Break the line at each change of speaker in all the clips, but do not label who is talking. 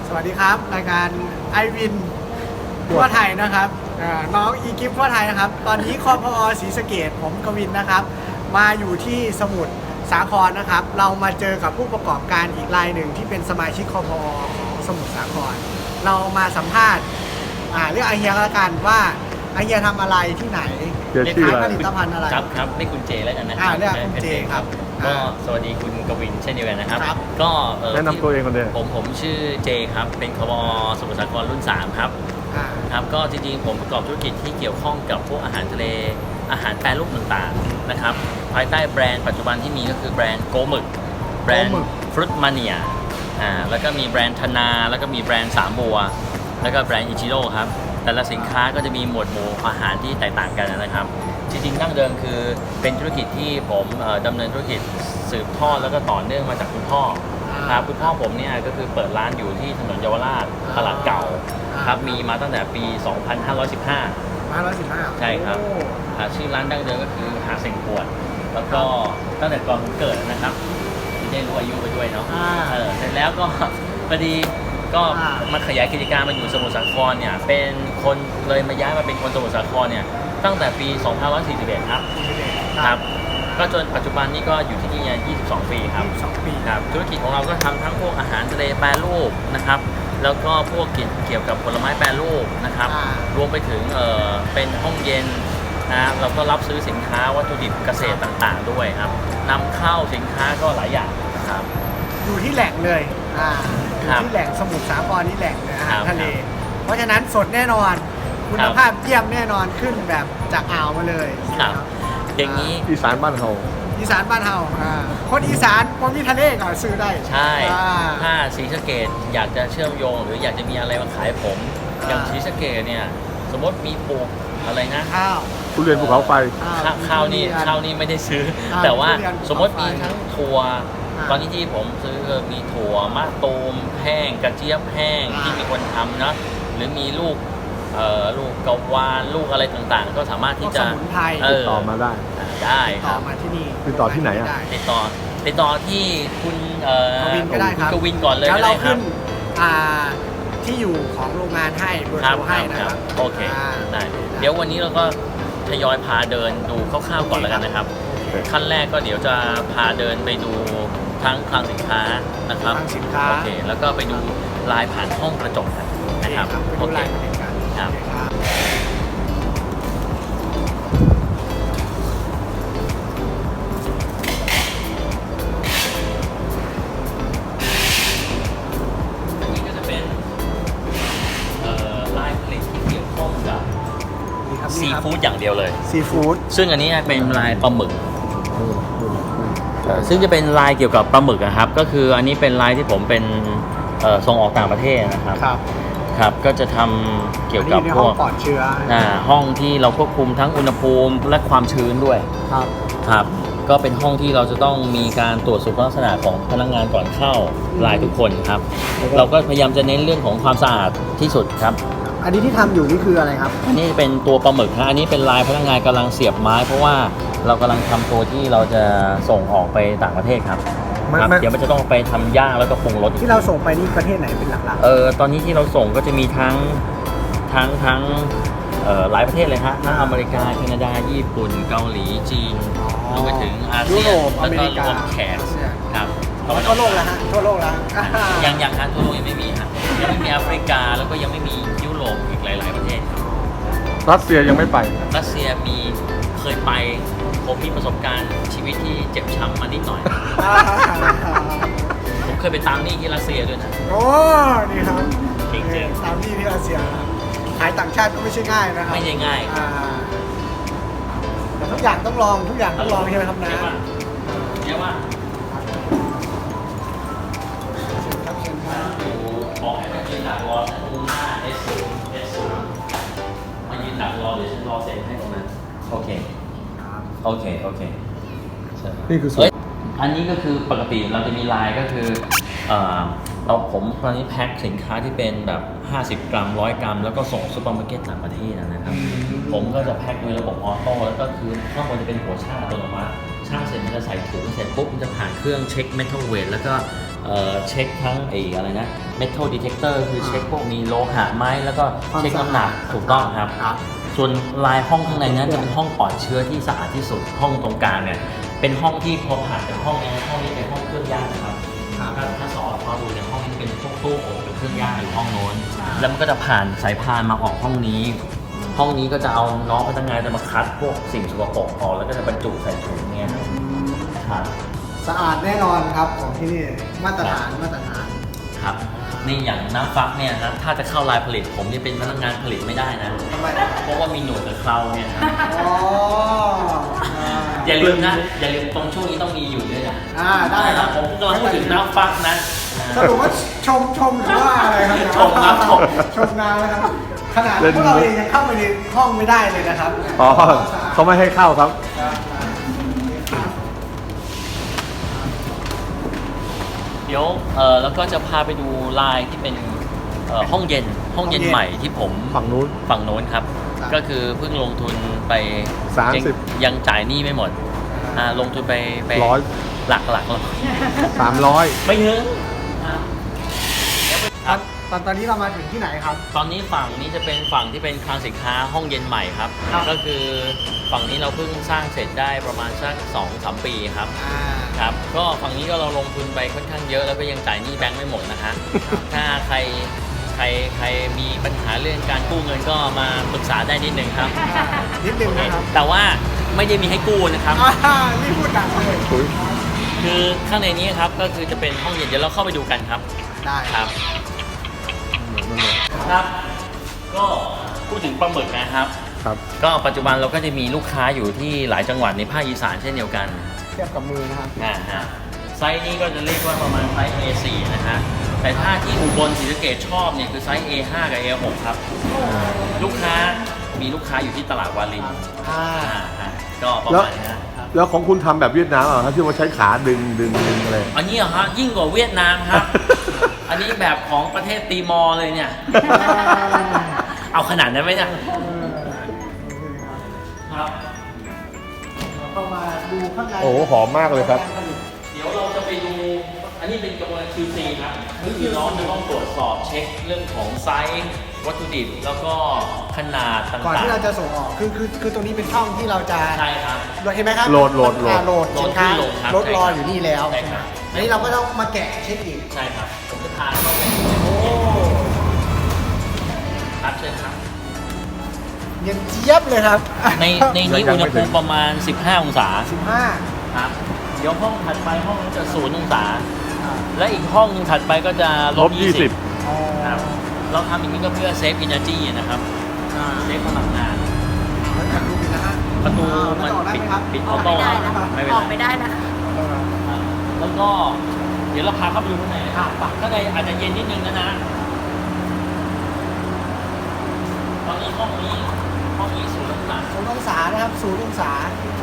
สวัสดีครับรายการไอวินทั่วไทยนะครับน้องอีกิฟทั่วไทยนะครับตอนนี้คพอศรีสะเกษผมกวินนะครับมาอยู่ที่สมุทรสาครนะครับเรามาเจอกับผู้ประกอบการอีกรายหนึ่งที่เป็นสมาชิกคพอของสมุทรสาครเรามาสัมภาษณ์เรื่องไอเฮียละกันว่าไอเฮียทำอะไรที่ไหนขายผลิตภัณฑ์อะไร
ครับไม่คุณเจแล้วกันนะ
เรียกคุณเจครับ
ก็สวัสดีคุณกวินเช่นเดียวกันนะครับก็
แนะนำตัวเองคนเดียว
ผมชื่อเจครับเป็นคบสมุทรสาครรุ่น3ครับครับก็จริงๆผมประกอบธุรกิจที่เกี่ยวข้องกับพวกอาหารทะเลอาหารแปรรูปต่างๆนะครับภายใต้แบรนด์ปัจจุบันที่มีก็คือแบรนด์โกหมึกแบรนด์ฟรุตมาเนียแล้วก็มีแบรนด์ธนาแล้วก็มีแบรนด์สามบัวแล้วก็แบรนด์อิจิโร่ครับแต่ละสินค้าก็จะมีหมวดหมู่อาหารที่แตกต่างกันนะครับจริงๆดั้งเดิมคือเป็นธุรกิจที่ผมดำเนินธุรกิจสืบทอดแล้วก็ต่อเนื่องมาจากคุณพ่อครับคุณพ่อผมเนี่ยก็คือเปิดร้านอยู่ที่ถนนเยาวราชตลาดเก่าครับมีมาตั้งแต่ปี 2515 ใช่ครับชื่อร้านดั้งเดิมก็คือหาเซ็งปวดแล้วก็ตั้งแต่ก่อนผมเกิดนะครับที่ได้รู้อายุไปด้วยเนาะเสร็จแล้วก็พอดีก็มาขยายกิจการมาอยู่สมุทรสาครเนี่ยเป็นคนเลยมาย้ายมาเป็นคนสมุทรสาครเนี่ยตั้งแต่ปี 2541 ครับก็จนปัจจุบันนี้ก็อยู่ที่นี่22 ปีครับครับธุรกิจของเราก็ทำทั้งพวกอาหารทะเลแปรรูปนะครับแล้วก็พวกเกี่ยวกับผลไม้แปรรูปนะครับรวมไปถึงเป็นห้องเย็นนะเราก็รับซื้อสินค้าวัตถุดิบเกษตรต่างๆด้วยครับนำเข้าสินค้าก็หลายอย่างครับ
อยู่ที่แหล่งเลยอยู่ที่แหล่งสมุทรสาครนี่แหล่งเลยอาหารทะเลเพราะฉะนั้นสดแน่นอนคุณภาพเยี่ยมแน่นอนขึ้นแบบจากอ่าวมาเลย
ครับอย่างนี้
อีสานบ้านเฮา
คนอีสานคนมีทะเลก็ซื้อได้
ใช่ถ้าศรีสะเกษอยากจะเชื่อมโยงหรืออยากจะมีอะไรมาขายผมอย่างศรีสะเกษเนี่ยสมมติมีปลูกอะไรนะ
ข้าว
ทุเรียนภูเขาไฟ
ข้าวนี่ไม่ได้ซื้อแต่ว่าสมมติมีทั้งถั่วตอนนี้ที่ผมซื้อมีถั่วมะตูมแห้งกระเจี๊ยบแห้งที่มีคนทำนะหรือมีลูกกะวานลูกอะไรต่างๆก็สามารถที่จะ
ติดต่อมาได้
ครับ
มาที่นี่
ติดต่อที่ไหน
ติดต่อที่คุณ
กวินก็ได้ครับ
กวินก่อนเลย
แล้วเราขึ้นที่อยู่ของโรงงานให้เบอร์โทรให้นะครับ
โอเคได้เดี๋ยววันนี้เราก็ทยอยพาเดินดูคร่าวๆก่อนแล้วกันนะครับขั้นแรกก็เดี๋ยวจะพาเดินไปดูทั้งคลังสินค้านะครับโอเคแล้วก็ไปดูลายผ่านห้องกระจกนะครับโอเคครับนี่ก็จะเป็นลายผลิตที่เกี่ยวข้องกับซีฟู้ดอย่างเดียวเลย
ซีฟู้ด
ซึ่งอันนี้เป็นลายปลาหมึกซึ่งจะเป็นลายเกี่ยวกับปลาหมึกนะครับก็คืออันนี้เป็นลายที่ผมเป็นส่งออกต่างประเทศนะครับครับก็จะทำเกี่ยวกับพวก
ปลอดเชื้อ
ห้องที่เราควบคุมทั้งอุณหภูมิและความชื้นด้วยครับก็เป็นห้องที่เราจะต้องมีการตรวจสุขลักษณะของพนักงานก่อนเข้าลายทุกคนครับเราก็พยายามจะเน้นเรื่องของความสะอาดที่สุดครับ
อันนี้ที่ทำอยู่นี่คืออะไรครับ
อันนี้เป็นตัวปลาหมึกนะอันนี้เป็นลายพนักงานกำลังเสียบไม้เพราะว่าเรากำลังทำตัวที่เราจะส่งออกไปต่างประเทศครับเดี๋ยวมันจะต้องไปทำย่างแล้วก็ปรุงรส
ที่เราส่งไปนี่ประเทศไหนเป็นหลัก
ๆตอนนี้ที่เราส่งก็จะมีทั้งหลายประเทศเลยฮะทั้งอเมริกาแคนาดาญี่ปุ่นเกาหลีจีนรวมไปถึงอาเซียนแล้วก็รวมแขกครับ
ทั่วโลกแล้วฮะทั่วโลกแล้ว
ยังฮะทั่วโลกยังไม่มีฮะยังไม่มีแอฟริกาแล้วก็ยังไม่มียุโรปอีกหลายๆประเทศ
รัสเซียยังไม่ไป
รัสเซียเคยไปผมมีประสบการณ์ชีวิตที่เจ็บช้ำมานิดหน่อยผมเคยไปตามหนี้ที่รัสเซียด้วยนะ
โอ้นี่ครับ
จริง
ๆตามหนี้ที่รัสเซียขายต่างชาติก็ไม่ใช่ง่ายนะครับ
ไม่ใช่ง่าย
แต่ทุกอย่างต้องลองใช่ไหมครับนะ
เนี่ยว่าบอกให้มายืนดักรอฉันตรงหน้า S0 มายืนดักรอเดี๋ยวฉันรอเซ็นให้ตรงนั้นโอเค
นี่คือ
อันนี้ก็คือปกติเราจะมีลายก็คือผมตอนนี้แพ็คสินค้าที่เป็นแบบ50 กรัม100 กรัมแล้วก็ส่งซุปเปอร์มาร์เก็ตต่างประเทศนะครับผมก็จะแพ็คโดยระบบออโต้แล้วก็คือข้างบนจะเป็นหัวช่างอัตโนมัติช่างเสร็จมันจะใส่ถุงเสร็จปุ๊บมันจะผ่านเครื่องเช็คเมทัลเวทแล้วก็เช็คทั้งอะไรนะ metal detector คือเช็คพวกมีโลหะไหมแล้วก็เช็คน้ำหนักถูกต้องครับ
ครับ
ส่วนลายห้องข้างในนั้นจะเป็นห้องปลอดเชื้อที่สะอาดที่สุดห้องตรงกลางเนี่ยเป็นห้องที่พอผ่านจากห้องนี้ห้องนี้เป็นห้องเครื่องย่างนะครับ ถ้าสอดพอดูในห้องนี้เป็นพวกตู้อบหรือเครื่องย่างอยู่ห้องโน้นแล้วมันก็จะผ่านสายพานมาออกห้องนี้ ห้องนี้ก็จะเอาน้องพนักงานจะมาคัดพวกสิ่งสกปรกออกแล้วก็จะบรรจุใส่ถุงเนี่ยครับ
สะอาดแน่นอนครับของที่นี่มาตรฐาน
ครับนี่อย่างน้ำฟักเนี่ยนะถ้าจะเข้าลายผลิตผมนี่เป็นพนักงานผลิตไม่ได้นะ
ทำไม
เพราะว่ามีหนวดกับเคราเนี่ยนะ
อ๋อ
อย่าลืมนะอย่าลืมตรงช่วงนี้ต้องมีอยู่ด้วยนะ
ได้ครับ
ผมกำลังพูดถึงน้ำฟักนะ
สรุปว่าชมหรือว่าอะไรครับ
ชมครับ
ชมนานะครับขนาดพวกเราเองยังเข้าไปในห้องไม่ได้เลยนะครับ
อ๋อเขาไม่ให้เข้าครับ
เดี๋ยวแล้วก็จะพาไปดูลายที่เป็นห้องเย็นใหม่ที่ผม
ฝั่งนู้น
ฝั่งโน้นครับ ก็คือเพิ่งลงทุนไป
30
ยังจ่ายหนี้ไม่หมดลงทุนไป
100
หลัก
300
ไม่ถึง
ตอนนี้เรามาถึงที่ไหนครับ
ตอนนี้ฝั่งนี้จะเป็นฝั่งที่เป็นคลังสินค้าห้องเย็นใหม่ครับ ก็คือฝั่งนี้เราเพิ่งสร้างเสร็จได้ประมาณสัก 2-3 ปีครับครับก็ฝั่งนี้ก็เราลงทุนไปค่อนข้างเยอะแล้วก็ยังจ่ายหนี้แบงค์ไม่หมดนะฮะถ้าใครมีปัญหาเรื่องการกู้เงินก็มาปรึกษาได้นิดนึงครับ
นิดนึงนะครับ
แต่ว่าไม่ได้มีให้กู้นะครับ
นี่พูดดังเลย
คือข้างในนี้ครับก็คือจะเป็นห้องเย็นเดี๋ยวเราเข้าไปดูกันครับ
ได้
ครับครับ ก็พูดถึงปลาหมึกนะครับ
ครับ
ก็ปัจจุบันเราก็จะมีลูกค้าอยู่ที่หลายจังหวัดในภาคอีสานเช่นเดียวกัน
เทียบกับมือนะครับ
ไซส์นี้ก็จะเรียกว่าประมาณไซส์ A4 นะฮะแต่ถ้าที่อุบลศรีสะเกษชอบเนี่ยคือไซส์ A5 กับ A6 ครับลูกค้าอยู่ที่ตลาดวารินก็ประมาณนี้นะ
แล้วของคุณทำแบบเวียดนามเหรอครับที่ว่าใช้ขาดึงอะไร
อันนี้เหรอฮะยิ่งกว่าเวียดนามครับ อันนี้แบบของประเทศตีมอร์เลยเนี่ย เอาขนาดนั้นไหมเนี่ยครับ
เข้ามาดูข้างใน
โอ้โหหอมมากเลยครับ
เดี๋ยวเราจะไปดู อันนี้เป็นกระบวนการ QC ครับคือน้องจะต้องตรวจสอบเช็คเรื่องของไซส์วัตถุดิบแล้วก็ขนาดต่างๆ
ก่อนที่เราจะส่งออกคือตรงนี้เป็นช่องที่เราจะ
ใช่ครับ
เห็นไหมครับ
โหลด
สินค้า
โหลดครับ
รถรออยู่นี่แล้ว
ใช่ครับ
อันนี้เราก็ต้องมาแกะเช็คอีก
ใช่ครับผมจะทานเข้าไป
โอ้
ครับเชิญครับ
เย็นเจี๊ยบเลยครับ
ในนี้อุณหภูมิประมาณ 15 องศา
15
ครับ เดี๋ยวห้องถัดไปห้องจะ0 องศา และอีกห้องนึงถัดไปก็จะลบ 20
อ๋อ
ครับ เราทำอย่างนี้ก็เพื่อเซฟอินเนอร์จีนะครับ เซฟพลังงาน
แล้วจะดูปิดนะฮะ
ประตูมัน
ออกได้
ปิด
ไหมครับ
ปิด
อ
อ
อ
อก โต้
ไม่ได้นะ
ไม่เป็น
ออก
ไร
ไม่ได้นะ
ครับแล้วก็เดี๋ยวเราพาเข้าไปดูข้างในนะครับข้างในอาจจะเย็นนิดนึงนะตอนนี้ห้องนี้0 องศา
0 องศานะครับ0 องศา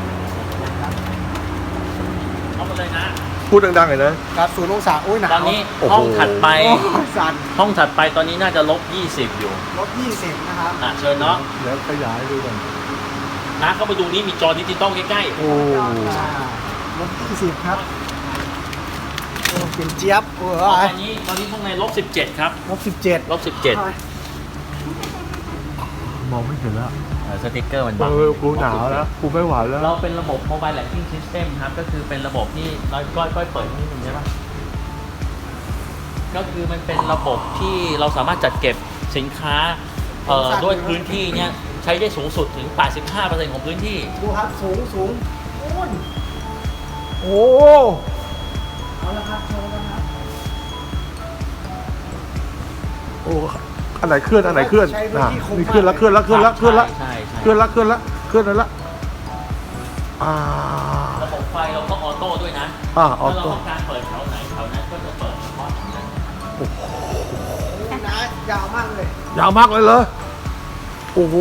เอามาเลยนะ
พูดดังๆเลยนะ
ครับ0 องศาอุ้ยหนาว
ตอนนี้
โอ้โห
ห้องถัดไป
โอ้สั่น
ห้องถัดไปตอนนี้น่าจะลบ 20 อยู่
ลบ20นะครับ
เชิญเนาะ
แล้วขยายดูกัน
นะเข้าไปดูนี่มีจอดิจิตอลใกล้
โอ้
ลบ20ครับโอ้เย็นเจี๊ยบโอ้
ๆ
ย
ตอนนี้ข้างในลบ 17 ครับ
ลบ17
ลบ 17
มองไม่เห็นแล้ว
สติ๊กเกอร์มันบัง
กูหนาวแล้วกูไม่ไหวแล้ว
เราเป็นระบบ Mobile Tracking System ครับ ก็คือเป็นระบบที่เราก้อยเปิดนิดนึงใช่ปะก็คือมันเป็นระบบที่เราสามารถจัดเก็บสินค้าด้วยพื้นที่เนี่ยใช้ได้สูงสุดถึง 85% ของพื้นที่
ดูครับสูงโอ้ย
โอ้
เอาละครับโชว์แล้วครับ
โอ้อันไหนเคลื่อนอันไหนเคลื่อน
ใช้พื้นที่คุ้ม
นี่เคลื่อนแล้วเคลื่อนแล้วเคลื่อนแล้วเคลื่อนแล้ว
ใช่
เคลื่อนแล้วเคลื่อนแล้วเคลื่อนแล้วอ่า
ระบบไฟเราก็ออโต้ด้วยนะ
ออ
ถ้าเรา
โต้
ต้องการเปิดแถวไหนแถวนั้นก็จะเปิดเฉพาะแถวนั้น
โอ้นะยาวมากเลย
ยาวมากเลยเหรอโอ้โห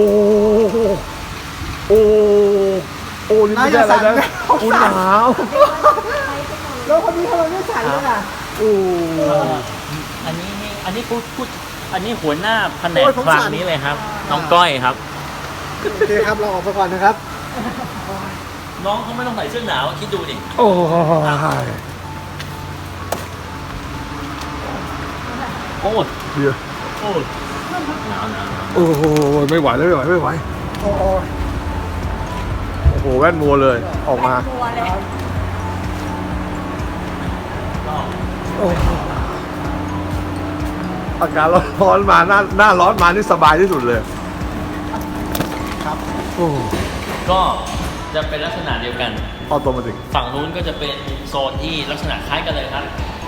โอ้โอ้นี่ไม่ได้อะไรนะกูหนาว
แล้วคนนี้ทำไมไม่สั่นเลยอ่ะ
โอ้
อันนี้พูดอันนี้หัวหน้าแผน
โอ้
ก
ยผม
คลัง
สั่น
นี้เลยครับ น้องก้อยครับ
โอเคครับเราออกไปก่อนนะครับ
น้องเขาไม่ต้องใส่เสื้อหนาวคิดดูดิ
โอ้ย
คตร
เดี๋ยว
โคตรหนาว
โอ้โหไม่ไหวแล้วไม่ไหว
โอ้โห
โอ้โหแว่นมัวเลยออกมา
ตัวเลย
ก็
โอ้โหอากาศร้อนมาหน้าร้อนมานี่สบายที่สุดเลย
ครับ
โอ้โห
ก็จะเป็นลักษณะเดียวกัน
ออโตเมติก
ฝั่งนู้นก็จะเป็นโซนที่ลักษณะคล้ายกันเลยครับ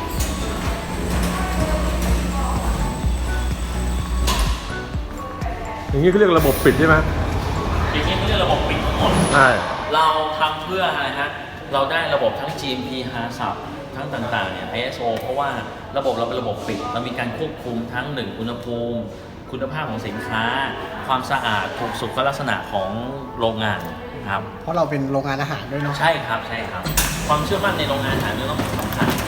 อย่างนี้เขาเรียกระบบปิดใช่ไหม
อย่างนี้เขาเรียกระบบปิดทั้งหมด
ใช่
เราทำเพื่ออะไรฮะ เราได้ระบบทั้ง GMP HACCP ทั้งต่างๆเนี่ย ISO เพราะว่าระบบเราเป็นระบบปิด เรามีการควบคุมทั้ง1อุณหภูมิ คุณภาพของสินค้า ความสะอาดถูกสุขลักษณะของโรงงานครับ
เพราะเราเป็นโรงงานอาหารด้วยเนาะ
ใช่ครับ ใช่ครับ ความเชื่อมั่นในโรงงานอาหารเป็นเรื่องสำคัญ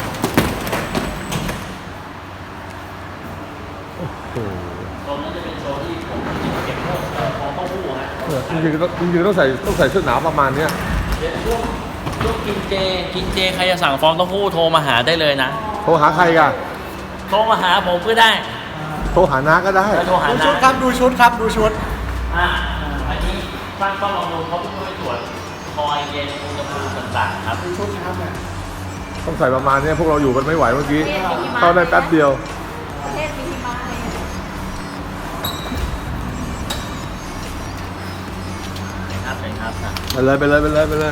โอ้โห
โซนนั้นจะเป็นโซนที่ผมเก็บพวกฟองเต้าหู้ฮะ
จริงๆต้องใส่เสื้อหนาวประมาณเนี้ย
เดี๋ยวช่วงกินเจใครจะสั่งฟองเต้าหู้โทรมาหาได้เลยนะ
โทรหาใครกัน
โทรมาหาผมก็ได้
โทรหาน้าก็ได้
แล้วโทรหา
ดู
นะ
ชุดครับดูชุดครับดูชุด
อันนี้สร้างต้องลองดูเขาเพิ่งไปตรวจคอยเย็นอุณหภูมิต่างๆครับ
ดูชุดนะครับเนี่ย
ต้องใส่ประมาณเนี้ยพวกเราอยู่กันไม่ไหวเมื่อกี้เข้าได้แป๊บเดียว
ประเทศมีหิมะเลย
ครับเป็นครับ
ไปเลย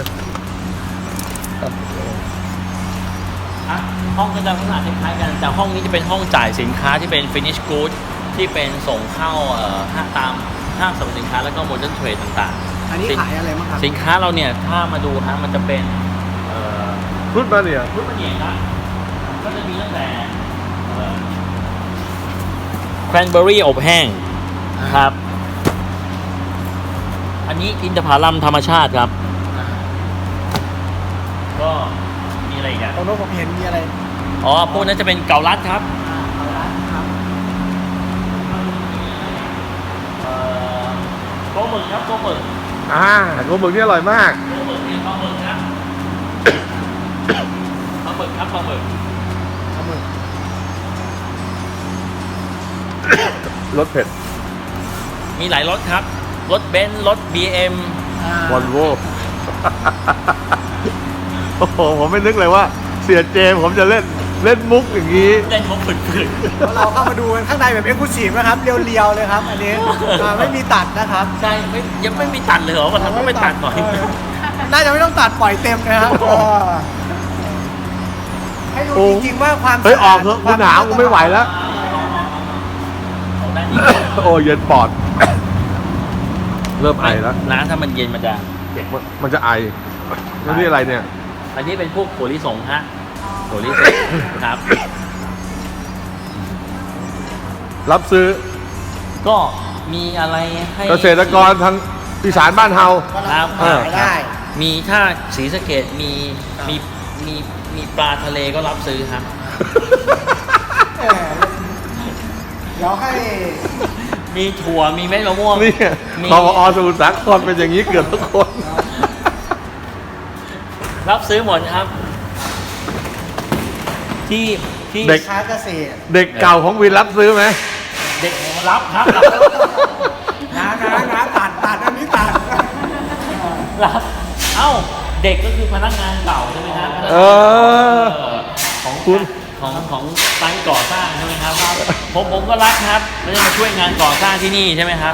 ห้องก็จะลักษณะคล้ายๆกันแต่ห้องนี้จะเป็นห้องจ่ายสินค้าที่เป็น finish good ที่เป็นส่งเข้าตามห้างสรรพสินค้าแล้วก็ modern trade ต่างๆ
อันนี้ขายอะไรบ้างครับ
สินค้าเราเนี่ยถ้ามาดูฮะมันจะเป็น
รุดมาเนี่ย
รุ่นมันเองครับก็จะมีตั้งแต่แครนเบอรี่อบแห้งครับ อันนี้อินทผลัมธรรมชาติครับ ก็มีอะไรอีกอ่ะ
ตรงโน้นผมเห็นมีอะไร
อ๋อพวกนั้นจะเป็นเกาลัดครับ
เอาละครับ
โกหมึกครับโกหมึก
โกหมึกนี่อร่อยมาก
โกหมึกนี่ปลาหมึกครับปลาหมึกครับปลาหมึก
เอามือ
รสเผ็ด
มีหลายรถครับ รถเบนซ์รถ BM
วอลโว โอ้โหผมไม่นึกเลยว่าเสียเจมส์ผมจะเล่นมุกอย่างนี้
เล่นมุกฝืน
แล้วเราเข้ามาดูกันข้างในแบบเอ็กซ์คลูซีฟนะครับเรียวๆเลยครับ อันนี้ไม่มีตัดนะครับ
ๆใช่ยังไม่มีตัดเลยเหรอวันนั้นก็ไม่ตัดหน่อย
น่าจะไม่ต้องตัดปล่อยเต็มนะครับให้ดูจริงๆว่าความ
เฮ้ยออกเถอะกูหนาวกูไม่ไหวแล้ว
ของด้านนี้
โอ้เย็นปอด เริ่มไอแล้ว
น้ำถ้ามันเย็นมันจะ
มันจะไอแล้วนี่อะไรเนี่ย
อันนี้เป็นพวกถั่วลิสงฮะถั่วลิสงครับ
รับซื้อ
ก็มีอะไรให้
เกษตรกรทางอีสานบ้านเฮา
ครับ
ขายได้
มีถ้าศรีสะเกดมีปลาทะเลก็รับซื้อครับ
เออเดี๋ยวให้
มีถั่วมีเม็ดมะม่วง
นี่
มี
พอสมุทรสาครเป็นอย่างนี้เกือบทุกคน
รับซื้อหมดครับ ที่
เด็ก
ค้าเกษตร
เด็กเก่าของวินรับซื้อไหม
เด็กรับครับ
นะตัดอันนี้ตัด
รับ เอ้าเด็กก็คือพนักงานเก่าใช่ไหมครับ
เออ
ของ
คุณ
ของไซต์ก่อสร้างใช่ไหมครับผมก็รับครับแล้วจะมาช่วยงานก่อสร้างที่นี่ใช่ไหมครับ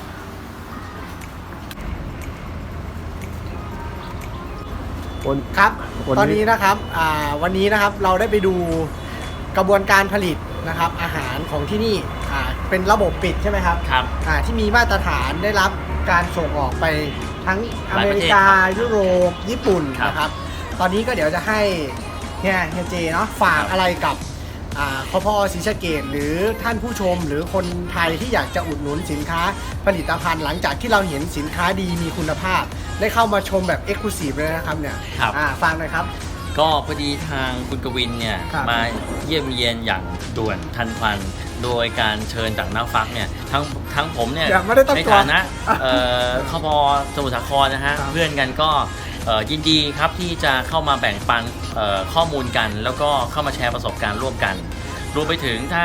ครับ
วันนี้
ตอนนี้นะครับวันนี้นะครับเราได้ไปดูกระบวนการผลิตนะครับอาหารของที่นี่เป็นระบบปิดใช่ไหมครับ
ครับ
ที่มีมาตรฐานได้รับการส่งออกไปทั้งอเมริกา
หลายประเทศครับ
ยุโรปญี่ปุ่น
ครับ
นะครับ ตอนนี้ก็เดี๋ยวจะให้เฮียเจเนาะฝากอะไรกับคพศรีสะเกษหรือท่านผู้ชมหรือคนไทยที่อยากจะอุดหนุนสินค้าผลิตภัณฑ์หลังจากที่เราเห็นสินค้าดีมีคุณภาพ ได้เข้ามาชมแบบเอ็กซ์คลูซีฟเลยนะครับเนี่ย
ครับ
ฟังหน่อยครับ
ก็พอดีทางคุณกวินเนี่ย
ครับ
มาเยี่ยมเยียนอย่างด่วนทันควันโดยการเชิญจากน้าฟักเนี่ยทั้งผมเนี่ย
ยังไม่ได้ตั้ง
ใน
ตัว
ฐานะคพสมุทรสาครนะฮะ
ครับ
เพื่อนกันก็ยินดีครับที่จะเข้ามาแบ่งปันข้อมูลกัน แล้วก็เข้ามาแชร์ประสบการณ์ร่วมกันรวมไปถึงถ้า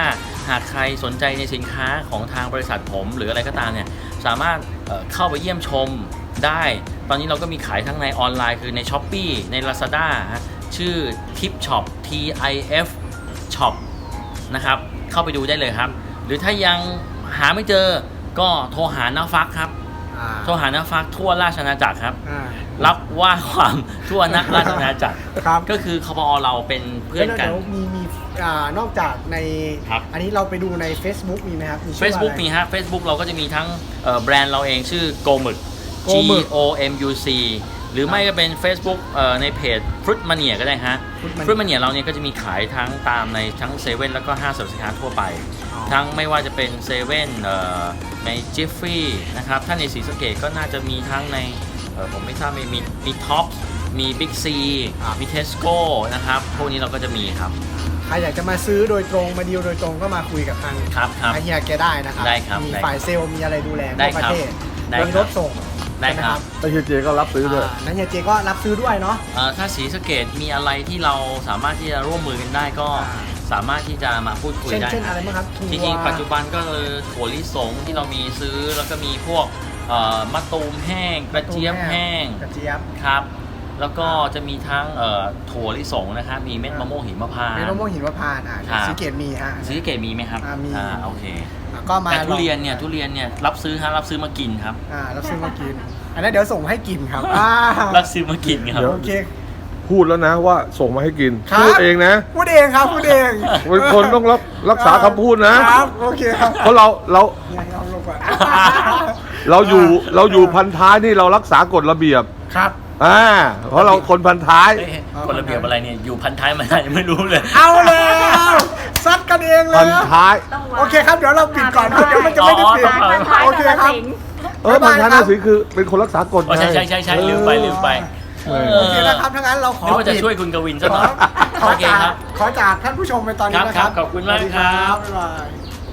หากใครสนใจในสินค้าของทางบริษัทผมหรืออะไรก็ตามเนี่ยสามารถเข้าไปเยี่ยมชมได้ตอนนี้เราก็มีขายทั้งในออนไลน์คือใน Shopee ใน Lazada ชื่อ Tip Shop TIF Shop นะครับเข้าไปดูได้เลยครับหรือถ้ายังหาไม่เจอก็โทรหาน้าฟักครับโทรหาน้าฟักทั่วราชอาณาจักรครับรับว่าความทั่วนักราชอาณาจักร
ครับ
ก็คือคปอเราเป็นเพื่อนกัน
เดี๋ยวมีนอกจากใน
ครับ
อันนี้เราไปดูใน Facebook มีไหมครับมีชื่อ
Facebook
อะไร
มีฮะ Facebook เราก็จะมีทั้งแบรนด์เราเองชื่อโกมึก G
Gomuk
O M U C หรือไม่ก็เป็น Facebook ในเพจ Fruit Mania ก็ได้ฮะ
Fruit
Fruit Mania เราเนี่ยก็จะมีขายทั้งตามในทั้งเซเว่นแล้วก็ห้างสรรพสินค้าทั่วไป ทั้งไม่ว่าจะเป็นเซเว่นในจิฟฟี่นะครับถ้าในศรีสะเกษก็น่าจะมีทั้งในผมไม่ทราบมีท็อปมีบิ๊กซีมีเทสโก้นะครับพวกนี้เราก็จะมีครับ
ใครอยากจะมาซื้อโดยตรงมาดีลโดยตรงก็มาคุยกับทาง
ครับ
เฮียแกได้นะครับ
ได้ครับ
มี
ได้
ฝ่ายเซลล์มีอะไรดูแล
ได้
ทั่วประเทศ
ได้
มี
ค
ร
รับ
ถส่ง
ได้ครับ
แล้วเฮียเจก็รับซื้อด้วย
นั้นเฮียเจก็รับซื้อด้วยเนาะ
ถ้าศรีสะเกษมีอะไรที่เราสามารถที่จะร่วมมือกันได้ก็สามารถที่จะมาพูดคุยได้
เช่นอะไรบ้างครับถั่ว
จริงๆปัจจุบันก็คือถั่วลิสงที่เรามีซื้อแล้วก็มีพวกมะตูมแห้งกระเจี๊ยบแห้ง
กระเจี๊ยบ
ครับ แล้วก็จะมีทั้งถั่วลิสงนะครับมีเม็ดมะม่วงหิมพานต์
เม็ดมะม่วงหินมะพร้าว
ครับ
สีเกตมีฮะ
ศรีสะเกษมีไหมครับ
มี
โอเค
ก็มา
แต่ทุเรียนเนี่ยรับซื้อฮะรับซื้อมากินครับ
รับซื้อมากิน อันนั้นเดี๋ยวส่งให้กินครับ
รับซื้อมากินครับ
เดี๋ยว
โอเค
พูดแล้วนะว่าส่งมาให้กิน
ครับ
พูดเองนะ
พูดเองครับพูดเอง
เป็นคนต้องรักษาคำพูดนะ
ครับโอเคครับ
เพราะเรา
เนี่ยเอาลงก่อน
เราอยู่พันท้ายนี่เรารักษากฎระเบียบ
ครับ
เพราะเราคนพันท้าย
กฎระเบียบอะไรเนี่ยอยู่พันท้ายมาได้ยังไม่รู้เลย
เอาแล้วซัดกันเองเล
พั
ย
นท้าย
ต้องวาง
โอเคครับเดี๋ยวเราปิดก่อนเดี๋ยวมันจะไม่ได้ปิด
อ๋อ
โอเคครับ
พันท้ายน่าสิคือเป็นคนรักษากฎ
อ๋อใช่ลืมไป
โอเคนะครับถ้างั้นเราขอ
นึกว่าจะ
ปิด
ช่วยคุณกวินซะหน่อย
ขอ
โอเค
จาก
ครับ
ขอจากท่านผู้ชมไปตอนนี้นะค
ครั
รั
บบ ขอบคุณมากครับ
สวัสดีบ๊ายบาย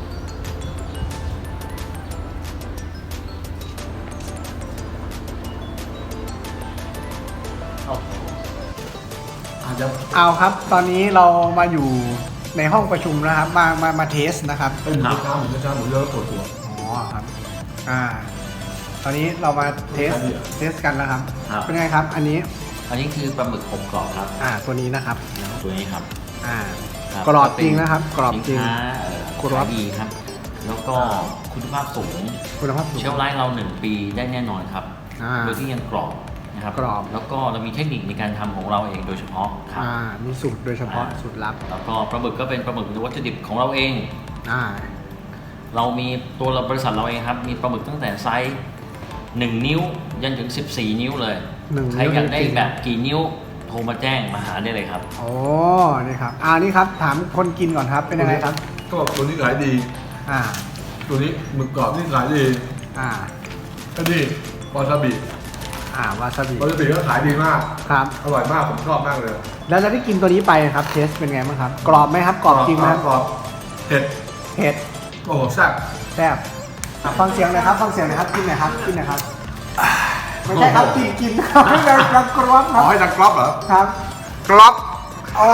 เอาครับตอนนี้เรามาอยู่ในห้องประชุมนะครับมาเทสนะครับ
หมูกระทะหมูเยอะปวดหัว
อ๋อครับตอนนี้เรามาเทสกันแล้วครับ
ครับ
เป็นไงครับ อันนี้
อันนี้คือปลาหมึกอบกรอบครับ
ตัวนี้นะครับ
ตัวนี้ครับ คบ
กรอบจริงนะครับกรอบจริง
สินค้าก
รอบ
ขายดีครับ แล้วก็คุณภาพสูง
คุณภาพสูง
เชลฟ์ไลฟ์เรา 1 ปีได้แน่นอนครับ
อ่า
โดยที่ยังกรอบนะครับ
กรอบ
แล้วก็เรามีเทคนิคในการทำของเราเองโดยเฉพาะครับ
มีสูตรโดยเฉพาะสูตรลับ
แล้วก็ปลาหมึกก็เป็นปลาหมึกวัตถุดิบของเราเอง
อ่า
เรามีตัวบริษัทเราเองครับ มีปลาหมึกตั้งแต่ไซส์1 นิ้วยันถึง 14 นิ้วเลย
1
ใครอยากได้แบบกี่นิ้วโทรมาแจ้งมาหาได้เลยครับ
โอ้นี่ครับนี่ครับถามคนกินก่อนครับเป็นยังไงครับ
ก็ตัวนี้ขายดี
อ่า
ตัวนี้หมึกกรอบนี่ขายดี
อ่า
ก็นี่วาซาบิ
วาซาบิ
วาซาบิก็ขายดีมาก
ครับ
อร่อยมากผมชอบมากเลย
แล้วได้กินตัวนี้ไปครับเทสเป็นไงบ้างครับ กรอบไหมครับกรอบจริงไหมครับ
กรอบเผ็ด
เผ็ด
โอ้โหแซ่บ
แซ่บฟังเสียงหน่อยครับฟังเสียงหน่อยครับกินหน่อยครับกินหน่อยครับไม่ใช่ครับกินครับไม่ได้ดังกรอบค
อ๋
รั
อบ ให้ดังกรอบเหรอ
ครับ
กรอบ
โอ้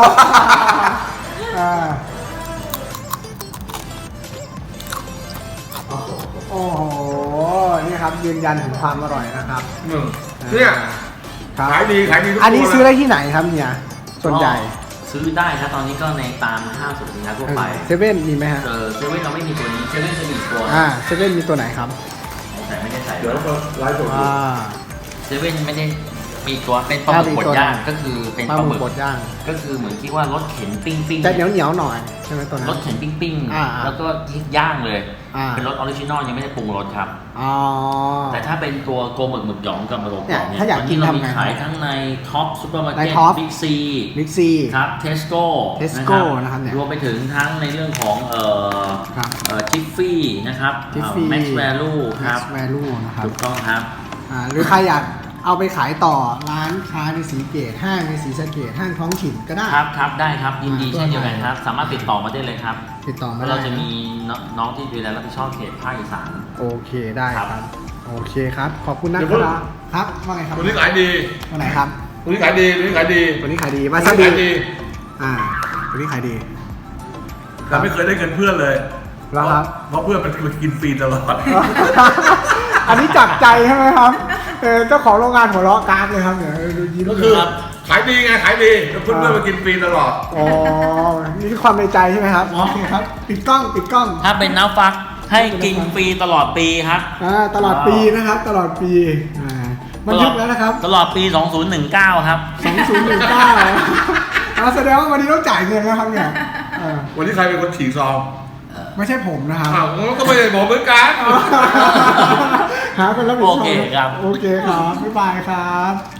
โอ้โหนี่ครับยืนยันถึงความอร่อยนะครับ
เนี่ย
ครับ
ขายดีทุกตัว
อันนี้ซื้อได้ที่ไหนครับเนี่ยส่วนใหญ่
ซื้อได้ครับตอนนี้ก็ในตามห้างสรรพสินค้าทั่วไป
เซเว่นมีไหมฮะ
เซเว่นเราไม่มีตัวนี้เซเว่นจะมีอีกตัว
เซเว่นมีตัวไหนครับ
แต่ไม่ได้ใส่
เดี๋ยวเราไลฟ์สดดู
เซเว่นไม่ได้มีอีกตัวเป็นปลาหมึกบดย่างก็คือเป็น
ปลา
ปลา
ห
ห
มึ
มึ
ก
ก
บดย่าง
ก็คือเหมือนที่ว่ารถเข็นปิ้งปิ้ง
จะเหนียวหน่อยใช่ไหมตัวนั้น
รถเข็นปิ้งปิ้ง
อ่า
แล้วก็ย่างเลย เป็นรสออริจินอลยังไม่ได้ปรุงรสครับ
อ๋อ
แต่ถ้าเป็นตัวโกหมึกหยองกับมะโรงกรอบ
เนี่ยถ้าอยากกิน
เรามี
ทำไง
ขายทั้งในท็อปซูเปอร์มาร์
ใน
เก็ต
Top
บิ๊กซี
บิ๊กซี
ครับเทสโก้
Tesco นะครับเนี่ย
รวมไปถึงทั้งในเรื่องของ
ครับ
ทิฟฟี่นะครับ
Jiffy
แม็กซ์แวลูค
Max
รับ
Value นะครับ
ถูกต้องครับ
หรือใครอยากเอาไปขายต่อร้านค้าในศรีเกตห้างในศรีสะเกษห้างท้องถิ่นก็ได้
ครับได้ครับยินดี
ตัว
เช่นเดียวกัน
ไหน
ครับ สามารถติดต่อมาได้เลยครับ
ติดต่อมาได้
เราจะมีน้องที่ดูแลรับผิดชอบเขตภาคอีสาน
โอเคได้ค
ครั
รับ
บ
โอเคครับ ขอบคุณนะ
เดี๋ยว
ค
เพิ่ง
รับครับว่าไงครับ
ตัวนี้ขายดี
ตัวไหนครับ
ตัวนี้ขายดีตัวนี้ขายดี
ตัวนี้ขายดีวา
ตัว
ซา
นี้
บิ
ขายดี
ตัวนี้ขายดี
แต่ไม่เคยได้เงินเพื่อนเลย
แล้วครับ
เพราะเพื่อนมันกินฟรีตลอด
อันนี้จับใจใช่ไหมครับเจ้าของโรงงานหัวเราะกรากเลยครับเนี่ยดูยิ้ม
ก็คือขายดีไงขายดีแล้วเพื่อนๆมากินฟรีตลอด
อ๋อนี่คือความในใจใช่ไหมครับโอเคครับปิดกล้องปิดกล้อง
ถ้าเป็นน้ำฟักให้กินฟรีตลอดปีครับ
ตลอดปีนะครับตลอดปีมันยุบแล้วนะครับ
ตลอดปี 2019 ครับ
2019แสดงว่าวันนี้ต้องจ่ายเงินนะครับเนี่ย
วันนี้ใครเป็นคนฉีกซอง
ไม่ใช่ผมนะครับ
อ้าวก็ไม่ได้บอกเหมือนกัน
หาคนรับผิดชอบ
โอเคครับ
โอเคครับบ๊ายบายครับ